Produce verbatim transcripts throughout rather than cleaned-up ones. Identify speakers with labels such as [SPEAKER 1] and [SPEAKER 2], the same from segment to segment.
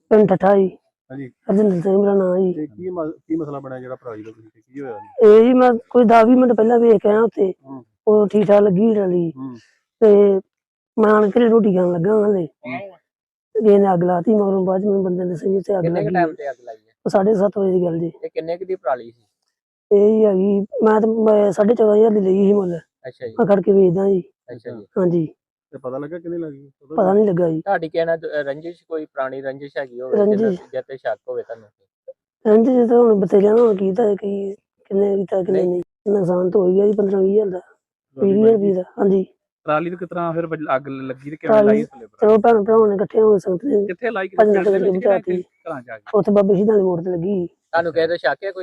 [SPEAKER 1] ਪਿੰਡ ਠੱਠਾ ਜੀ।
[SPEAKER 2] ਹਾਂਜੀ
[SPEAKER 1] ਹਰਜਿੰਦਰ ਸਿੰਘ ਮੇਰਾ ਨਾਮ ਜੀ।
[SPEAKER 2] ਤੇ ਕੀ ਮ- ਕੀ ਮਸਲਾ ਬਣਿਆ ਜਿਹੜਾ ਭਰਾ ਜੀ ਦਾ ਤੁਸੀਂ ਕੀ ਹੋਇਆ?
[SPEAKER 1] ਇਹ ਜੀ ਮੈਂ ਕੋਈ ਦਸ ਵੀਹ ਮਿੰਟ ਪਹਿਲਾਂ ਵੇਖ ਕੇ ਆਇਆ ਉੱਥੇ,
[SPEAKER 2] ਹੂੰ
[SPEAKER 1] ਉਹ ਠੀਕ ਠਾਕ ਲੱਗੀ ਰਲੀ
[SPEAKER 2] ਹੂੰ
[SPEAKER 1] ਤੇ ਮੈਂ ਆਣ ਕੇ ਰੋਟੀ ਖਾਣ ਲੱਗਾ ਹਾਲੇ ਇਹਨੇ ਅੱਗ ਲਾਤੀ। ਮਗਰੋਂ ਬਾਅਦ ਚ ਮੈਨੂੰ ਬੰਦੇ ਨੇ ਸਹੀ ਤੇ ਅੱਗ
[SPEAKER 3] ਕਿੰਨੇ
[SPEAKER 1] ਲੱਗੀ।
[SPEAKER 3] ਟਾਈਮ ਤੇ ਅੱਗ ਲਾਈ ਹੈ?
[SPEAKER 1] ਸਾਢੇ ਸੱਤ ਵਜੇ ਦੀ ਗੱਲ ਜੀ।
[SPEAKER 3] ਇਹ ਕਿੰਨੇ ਕੁ ਦੀ ਪਰਾਲੀ ਸੀ?
[SPEAKER 1] ਇਹ ਜੀ ਹੈਗੀ ਮੈਂ ਤਾਂ ਸਾਢੇ ਚੌਦਾਂ ਹਜ਼ਾਰ ਦੀ ਲਈ ਸੀ ਮੁੱਲ।
[SPEAKER 3] ਅੱਛਾ ਜੀ
[SPEAKER 1] ਮੈਂ ਖੜ ਕੇ ਵੇਚਦਾ ਜੀ।
[SPEAKER 3] ਅੱਛਾ ਜੀ।
[SPEAKER 1] ਹਾਂਜੀ
[SPEAKER 2] ਤੇ ਪਤਾ ਲੱਗਾ ਕਿੰਨੇ ਲੱਗੀ?
[SPEAKER 1] ਪਤਾ ਨਹੀਂ ਲੱਗਾ ਜੀ।
[SPEAKER 3] ਤੁਹਾਡੀ ਕਹਿਣਾ ਰੰਜਿਸ਼ ਕੋਈ ਪੁਰਾਣੀ ਰੰਜਿਸ਼ ਹੈਗੀ ਹੋਵੇ
[SPEAKER 1] ਰੰਜਿਸ਼?
[SPEAKER 3] ਜਿਹਦੇ ਤੇ ਸ਼ੱਕ ਹੋਵੇ ਤੁਹਾਨੂੰ?
[SPEAKER 1] ਰੰਜ ਜੀ ਤਾਂ ਹੁਣ ਬਤੇਰਿਆਂ ਨੂੰ ਕੀਤਾ ਕੀ ਕਿੰਨੇ ਕੀਤਾ ਕਿੰਨੇ ਨਹੀਂ। ਨੁਕਸਾਨ ਤਾਂ ਹੋ ਗਿਆ ਜੀ ਪੰਦਰਾਂ ਵੀਹ ਹਜ਼ਾਰ ਦਾ, ਵੀਹ ਹਜ਼ਾਰ ਰੁਪਏ ਦਾ। ਹਾਂਜੀ
[SPEAKER 2] ਟਰਾਲੀ ਨੂੰ ਕਿਤਨਾ ਫਿਰ ਅੱਗ ਲੱਗੀ ਤੇ ਕਿਵੇਂ ਲਾਈ?
[SPEAKER 1] ਚਲੋ ਭੈਣ ਭਰਾਵਾਂ ਨੇ ਇਕੱਠੇ ਹੋ ਸਕਦੇ।
[SPEAKER 2] ਕਿੱਥੇ ਲਾਈ?
[SPEAKER 1] ਭੱਜ ਨੱਠ ਕਰਕੇ ਬਚਾਤੀ।
[SPEAKER 2] ਘਰਾਂ ਚ ਆ ਗਈ।
[SPEAKER 1] ਉੱਥੇ ਬਾਬੇ ਸ਼ਹੀਦਾਂ ਦੀ ਮੋੜ ਤੇ ਲੱਗੀ।
[SPEAKER 3] ਤੁਹਾਨੂੰ ਕਿਸੇ ਤੇ ਸ਼ੱਕ ਹੈ ਕੋਈ?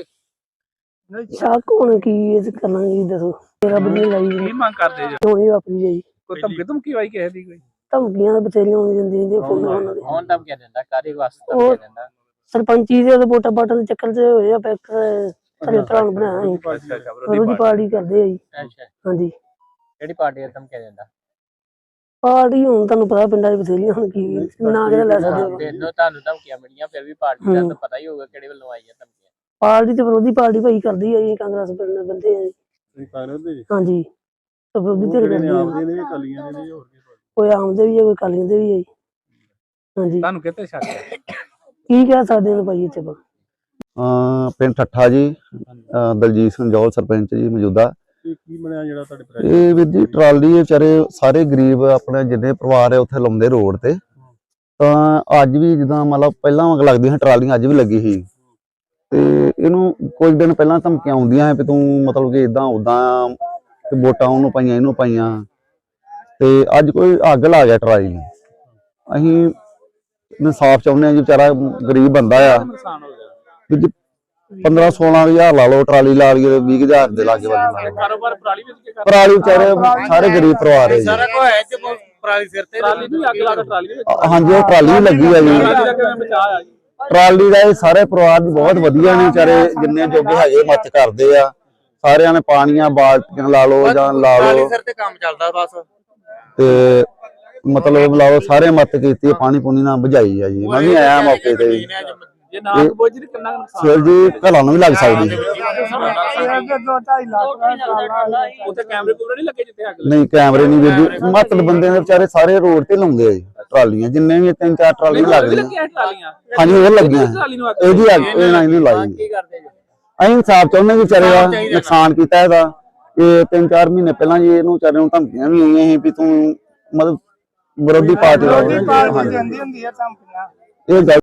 [SPEAKER 1] ਸ਼ੱਕ ਹੁਣ ਕੀ ਇਹ ਕਰਨਾ ਜੀ ਦੱਸੋ। ਮੇਰਾ ਬੰਦੇ ਲਾਈ
[SPEAKER 2] ਕੀ ਮੰਗ ਕਰਦੇ ਜੀ?
[SPEAKER 1] ਹੋਣੀ ਵਾਪਰੀ ਜੀ।
[SPEAKER 2] ਕੋਈ ਧਮਕੀ ਧਮਕੀ ਆਈ ਕਿਸੇ ਦੀ ਕੋਈ?
[SPEAKER 1] ਧਮਕੀਆਂ ਤਾਂ ਬਥੇਰੀਆਂ ਆਉਂਦੀਆਂ ਜਾਂਦੀਆਂ ਨੇ ਫੋਨ ਉਹਨਾਂ ਦੇ।
[SPEAKER 3] ਕੌਣ ਧਮਕੀਆਂ ਦਿੰਦਾ? ਕਾਹਦੇ ਵਾਸਤੇ ਧਮਕੀਆਂ ਦਿੰਦਾ?
[SPEAKER 1] ਸਰਪੰਚੀ ਦੇ ਵੋਟਾਂ ਪਾਟਾਂ ਦੇ ਚੱਕਰ 'ਚ ਹੋਏ ਆ। ਪੈਕ ਸਾਡੇ ਭਰਾ ਨੂੰ ਬਣਾਇਆ ਸੀ। ਵਿਰੋਧੀ ਪਾਰਟੀ ਕਰਦੇ ਆ ਜੀ।
[SPEAKER 3] ਅੱਛਾ
[SPEAKER 1] ਹਾਂਜੀ
[SPEAKER 3] ਕਿਹੜੀ ਪਾਰਟੀ ਦਾ ਧਮਕੀਆਂ ਦਿੰਦਾ?
[SPEAKER 1] ਪਾਰਟੀ ਹੁਣ ਤੁਹਾਨੂੰ ਪਤਾ ਪਿੰਡਾਂ 'ਚ ਬਥੇਰੀਆਂ ਹੁਣ ਕੀ ਨਾ ਕਿਹੜਾ ਲੈ ਸਕਦੇ।
[SPEAKER 3] ਤੈਨੂੰ ਤੁਹਾਨੂੰ ਧਮਕੀਆਂ ਮਿਲੀਆਂ ਫਿਰ ਵੀ ਪਾਰਟੀ ਦਾ ਤਾਂ ਪਤਾ ਹੀ ਹੋਊਗਾ ਕਿਹੜੇ ਵੱਲੋਂ ਆਈ ਹੈ ਧਮਕੀਆਂ।
[SPEAKER 1] ਪਾਰਟੀ ਤੇ ਵਿਰੋਧੀ ਪਾਰਟੀ ਭਾਈ ਕਰਦੀ ਆ ਜੀ। ਕਾਂਗਰਸ ਪਿੰਡ ਦੇ ਬੰਦੇ ਆ ਜੀ।
[SPEAKER 2] ਕਾਂਗਰਸ ਦੇ ਜੀ?
[SPEAKER 1] ਹਾਂਜੀ ਵਿਰੋਧੀ ਧਿਰ ਕਰਦੀ ਆ।
[SPEAKER 2] ਆਪਦੇ ਨੇ ਕਲੀਆਂ ਦੇ ਨੇ ਹੋਰ ਕੀ?
[SPEAKER 1] ਕੋਈ ਆਮਦੇ ਵੀ ਆ ਕੋਈ ਕਾਲੀਆਂ ਦੇ ਵੀ ਆ ਜੀ। ਹਾਂਜੀ
[SPEAKER 2] ਤੁਹਾਨੂੰ ਕਿਤੇ ਸ਼ੱਕ ਹੈ?
[SPEAKER 1] ਕੀ ਕਹਿ ਸਕਦੇ ਨੇ ਭਾਈ ਇੱਥੇ ਆਪਾਂ।
[SPEAKER 4] ਪਿੰਡ ਠੱਠਾ ਜੀ। ਦਲਜੀਤ ਸਿੰਘ ਜੌਲ ਸਰਪੰਚ ਜੀ ਮੌਜੂਦਾ।
[SPEAKER 2] ਕੀ ਬਣਿਆ ਜਿਹੜਾ ਤੁਹਾਡੇ?
[SPEAKER 4] ਇਹ ਵੀਰ ਜੀ ਟਰਾਲੀ ਵਿਚਾਰੇ ਸਾਰੇ ਗਰੀਬ ਆਪਣੇ ਜਿੰਨੇ ਪਰਿਵਾਰ ਹੈ ਉੱਥੇ ਲਾਉਂਦੇ ਰੋਡ ਤੇ। ਤਾਂ ਅੱਜ ਵੀ ਜਿੱਦਾਂ ਮਤਲਬ ਪਹਿਲਾਂ ਅੱਗ ਲੱਗਦੀ ਸੀ ਟਰਾਲੀਆਂ ਅੱਜ ਵੀ ਲੱਗੀ ਸੀ। ਤੇ ਇਹਨੂੰ ਕੁਝ ਦਿਨ ਪਹਿਲਾਂ ਧਮਕੀਆਂ ਆਉਂਦੀਆਂ ਵੀ ਤੂੰ ਮਤਲਬ ਕਿ ਇਦਾਂ ਉਦਾਂ ਵੋਟਾਂ ਉਹਨੂੰ ਪਾਈਆਂ ਇਹਨੂੰ ਪਾਈਆਂ। ਤੇ ਅੱਜ ਕੋਈ ਅੱਗ ਲਾ ਗਿਆ ਟਰਾਲੀ ਨੂੰ। ਅਸੀਂ ਇਨਸਾਫ ਚਾਹੁੰਦੇ ਹਾਂ ਜੀ। ਵਿਚਾਰਾ ਗਰੀਬ ਬੰਦਾ ਆ। ਪੰਦਰਾਂ ਸੋਲਾਂ ਹਜ਼ਾਰ ਲਾ ਲਓ ਟਰਾਲੀ ਲਾ ਲਈਏ ਵੀਹ ਹਜ਼ਾਰ ਦੇ ਲਾਗੇ ਬੰਦੇ
[SPEAKER 2] ਕਾਰੋਬਾਰ ਪਰਾਲੀ ਵਿੱਚ
[SPEAKER 4] ਪਰਾਲੀ ਵਿਚਾਰੇ ਸਾਰੇ ਗਰੀਬ ਪਰਿਵਾਰ ਹੈ ਜੀ।
[SPEAKER 2] ਸਾਰਾ ਕੁਝ ਹੈ ਤੇ ਪਰਾਲੀ ਸਿਰ ਤੇ ਟਰਾਲੀ ਨੂੰ ਅੱਗ ਲਾ ਕੇ ਟਰਾਲੀ ਵਿੱਚ
[SPEAKER 4] ਹਾਂਜੀ ਉਹ ਟਰਾਲੀ ਵੀ ਲੱਗੀ ਆ ਜੀ। ਟਰਾਲੀ ਦਾ ਇਹ ਸਾਰੇ ਪਰਿਵਾਰ ਦੀ ਬਹੁਤ ਵਧੀਆ ਨੇ ਵਿਚਾਰੇ ਜਿੰਨੇ ਜੋਗੇ ਹੈਗੇ ਮਦਦ ਕਰਦੇ ਆ। ਸਾਰਿਆਂ ਨੇ ਪਾਣੀਆਂ ਬਾਲਟੀਆਂ ਲਾ ਲਓ ਜਾਂ ਲਾ ਲਓ
[SPEAKER 2] ਸਿਰ ਤੇ ਕੰਮ ਚੱਲਦਾ ਬਸ।
[SPEAKER 4] ਤੇ ਮਤਲਬ ਲਾ ਲਓ ਸਾਰੇ ਮਦਦ ਕੀਤੀ ਪਾਣੀ ਪੂਣੀ ਨਾਲ ਬੁਝਾਈ ਆ ਜੀ। ਮੈਂ ਵੀ ਆਇਆ ਮੌਕੇ ਤੇ।
[SPEAKER 2] ਜੇ ਨਾ ਬੁੱਝ ਦੀ ਕਿੰਨਾ
[SPEAKER 4] ਸਿਰ ਜੀ ਘਰਾਂ ਨੂੰ ਵੀ ਲੱਗ ਸਕਦੀ।
[SPEAKER 2] ਉੱਥੇ ਕੈਮਰੇ ਕੂਮਰੇ ਨਹੀਂ ਲੱਗੇ ਜਿੱਥੇ ਅੱਗ
[SPEAKER 4] ਨਹੀਂ ਕੈਮਰੇ ਨਹੀਂ ਵੀਰ ਜੀ। ਮਤਲਬ ਬੰਦੇ ਨੇ ਵਿਚਾਰੇ ਸਾਰੇ ਰੋਡ ਤੇ ਲਾਉਂਦੇ ਆ ਜੀ ਟਰਾਲੀਆਂ। ਜਿੰਨੇ ਵੀ ਤਿੰਨ ਚਾਰ ਟਰਾਲੀਆਂ ਲੱਗਦੀਆਂ। ਹਾਂਜੀ ਹੋਰ ਲੱਗੀਆਂ ਇਹਦੀ ਅੱਗ ਇਹ ਨਾ ਇਹਨੂੰ ਲਾਈ।
[SPEAKER 3] ਕੀ ਕਰਦੇ ਜੀ?
[SPEAKER 4] ਅਸੀਂ ਇਨਸਾਫ ਚਾਹੁੰਦੇ ਵੀ ਵਿਚਾਰੇ ਦਾ ਨੁਕਸਾਨ ਕੀਤਾ ਇਹਦਾ। ਇਹ ਤਿੰਨ ਚਾਰ ਮਹੀਨੇ ਪਹਿਲਾਂ ਜੀ ਇਹਨੂੰ ਵਿਚਾਰੇ ਨੂੰ ਧਮਕੀਆਂ ਵੀ ਆਈਆਂ ਸੀ ਵੀ ਤੂੰ ਮਤਲਬ ਵਿਰੋਧੀ ਪਾਰਟੀ ਦਾ। ਇਹ